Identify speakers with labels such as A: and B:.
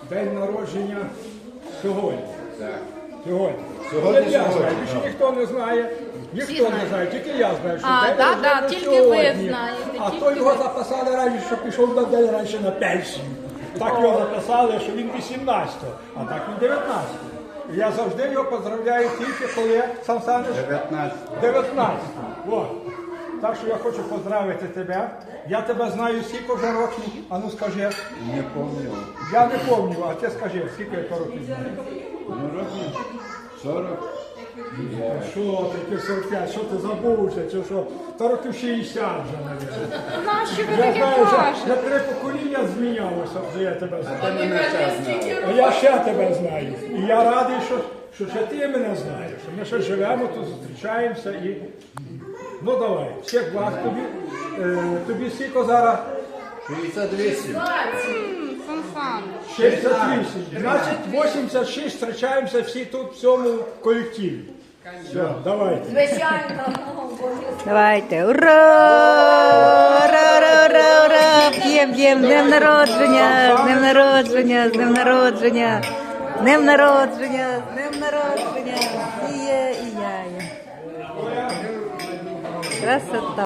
A: день народження сьогодні.
B: Так.
A: Сьогодні.
B: Сьогодні,
A: Я
B: сьогодні,
A: знаю, більше
B: так.
A: ніхто не знає. Ніхто не знає, тільки я знаю, що
C: А,
A: день
C: да,
A: народження
C: да, тільки
A: сьогодні.
C: ви знаєте,
A: А
C: тільки
A: то його
C: ви.
A: записали раніше, що пішов на день раніше на пенсію. Так його записали, що він 18-го, а так він 19-го. І я завжди його поздравляю тільки коли Сан Саныч
B: 19.
A: 19-го. О. Так що я хочу поздравити тебе. Я тебе знаю скільки вже років. А ну скажи.
B: Не помню.
A: Я не пам'ятаю, а ти скажи, скільки я років знаю.
B: Ну, років 40.
A: Що ти, 45, що ти забувся, чи що? Та років 60 вже, мабуть.
C: Нащо ви
A: Я
C: таке
A: знаю, вже
C: кажете?
A: 3 покоління змінялося, вже я тебе знаю.
B: Ти мене ще знав.
A: А я ще тебе знаю. І я радий, що ще ти мене знаєш. Що ми ще живемо, тут зустрічаємося і... Ну давай, всіх благ тобі. Тобі скільки зараз?
B: 68.
C: Фан-фан.
A: 68. Значить, 86 зустрічаємося всі тут в цьому колективі. Все, давайте.
D: Звичайно.
E: Давайте, ура! Ура, ура, ура, ура! П'єм, п'єм, з днем народження, з днем народження, з днем народження, з днем народження, з днем народження, і є, і я є. Красота.